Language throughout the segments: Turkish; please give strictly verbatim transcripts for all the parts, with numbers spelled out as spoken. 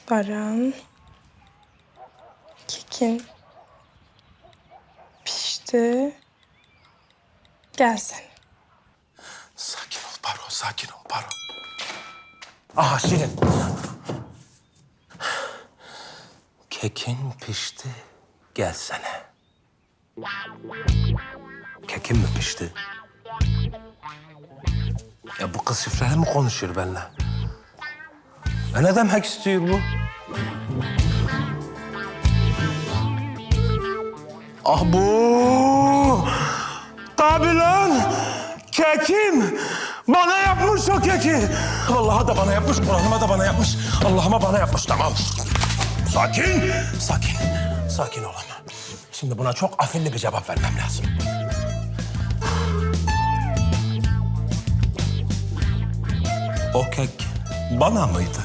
Baran. Kekin. Pişti. Gelsin. Sakin ol Baro, sakin ol Baro. Aha Şirin. Kekin pişti, gelsene. Kekin mi pişti? Ya bu kız şifreli mi konuşuyor benimle? Ya ne demek istiyor bu? Ah bu! Tabii lan! Kekim! Bana yapmış o keki! Allah'a da bana yapmış, Kur'an'ıma da bana yapmış. Allah'ıma bana yapmış, tamam. Sakin! Sakin, sakin ol ama. Şimdi buna çok afilli bir cevap vermem lazım. O kek bana mıydı?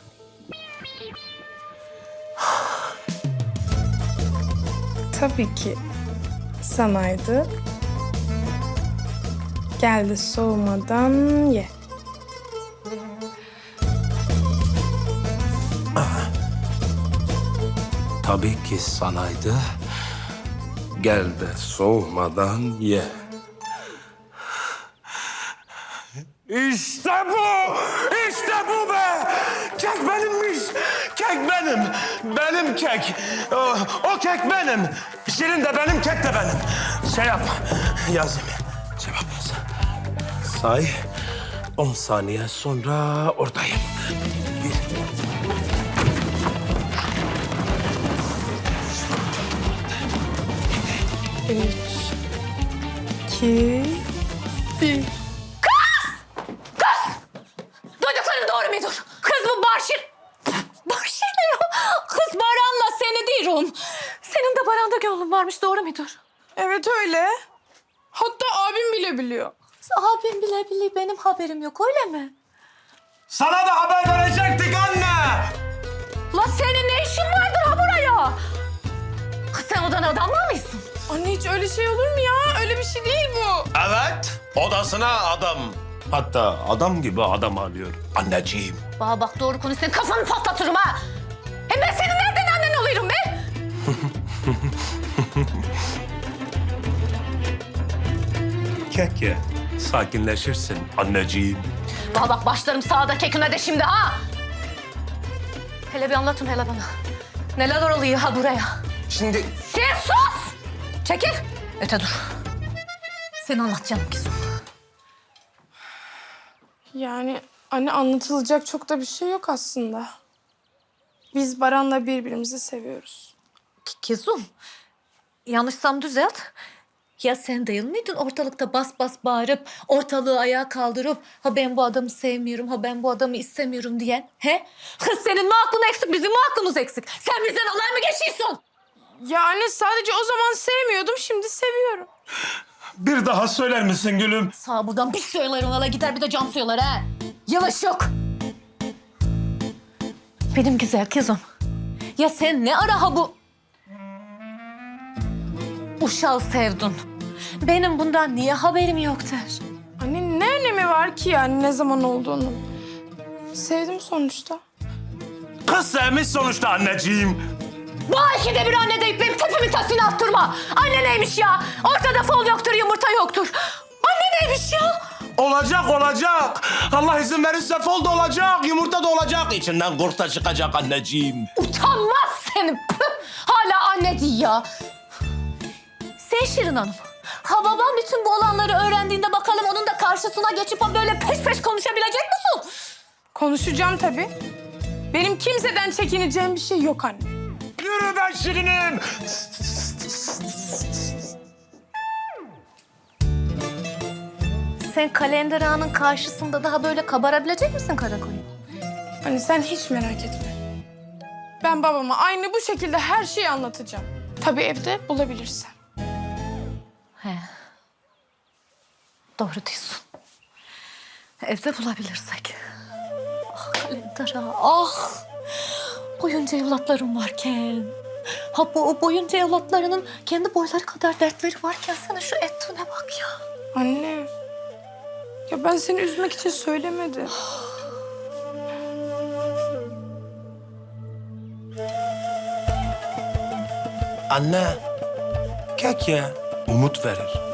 Tabii ki sanaydı. Geldi soğumadan ye. Tabii ki sanaydı. Gel de soğumadan ye. İşte bu! İşte bu be! Kek benimmiş! Kek benim! Benim kek! O, o kek benim! Şirin de benim, kek de benim. Şey yap, yazayım. Cevap yaz. Say, on saniye sonra oradayım. Bir. Üç, iki, bir. Duydukların doğru mudur? Kız bu Barşir... Barşir ne ya? Kız Baran'la seni değil. Senin de Baran'da gönlün varmış, doğru mudur? Evet öyle. Hatta abim bile biliyor. Abim bile bile benim haberim yok, öyle mi? Sana da haber verecektik anne! La senin ne işin vardır ha buraya? Kız sen odan adamla mıysın? Anne hiç öyle şey olur mu ya? Öyle bir şey değil bu. Evet, odasına adam. Hatta adam gibi adam alıyor anneciğim. Bana bak, doğru konuş, senin kafanı patlatırım ha. Hem ben senin nereden annen oluyorum be? Kek ye, sakinleşirsin anneciğim. Bana bak, başlarım sağda kekine de şimdi ha. Hele bir anlatın hele bana. Neler oluyor ha buraya? Şimdi Sen sus! Çekil, öte dur. Sen anlat canım kızım. Yani anne anlatılacak çok da bir şey yok aslında. Biz Baran'la birbirimizi seviyoruz. Kızım, yanlışsam düzelt. Ya sen değil miydin ortalıkta bas bas bağırıp, ortalığı ayağa kaldırıp... ...ha ben bu adamı sevmiyorum, ha ben bu adamı istemiyorum diyen? He? Kız senin mi aklın eksik, bizim mi aklımız eksik? Sen bizden alay mı geçiyorsun? Ya anne sadece o zaman sevmiyordum, şimdi seviyorum. bir daha söyler misin gülüm? Sağ buradan bir söyler ona, gider bir de cam söyler ha. Yavaş yok. Benim güzel kızım. Ya sen ne ara ha bu... uşağı sevdin? Benim bundan niye haberim yoktur? Anne ne önemi var ki yani ne zaman olduğunu? Sevdim sonuçta. Kız sevmiş sonuçta anneciğim. Bu ikide bir anne deyip benim tepemin tasını attırma. Anne neymiş ya? Ortada fol yoktur, yumurta yoktur. Anne neymiş ya? Olacak olacak. Allah izin verirse fol da olacak, yumurta da olacak. İçinden kurt da çıkacak anneciğim. Utanmaz seni. Püh! Hala anne diyor ya. Sen Şirin Hanım. Ha babam bütün bu olanları öğrendiğinde bakalım onun da karşısına geçip ha böyle peş peş konuşabilecek misin? Konuşacağım tabii. Benim kimseden çekineceğim bir şey yok anne. Yürü ben Şirinim. Sen Kalender Ağa'nın karşısında daha böyle kabarabilecek misin karakoyun? Anne sen hiç merak etme. Ben babama aynı bu şekilde her şeyi anlatacağım. Tabii evde bulabilirsem. He. Doğru diyorsun. Evde bulabilirsek. Ah Kalender Ağa, ah! Boyunca evlatlarım varken... Ha bu o boyunca evlatlarının kendi boyları kadar dertleri varken sana şu ettiğine bak ya. Anne. Ya ben seni üzmek için söylemedim. Anne, kek ya. Umut verir.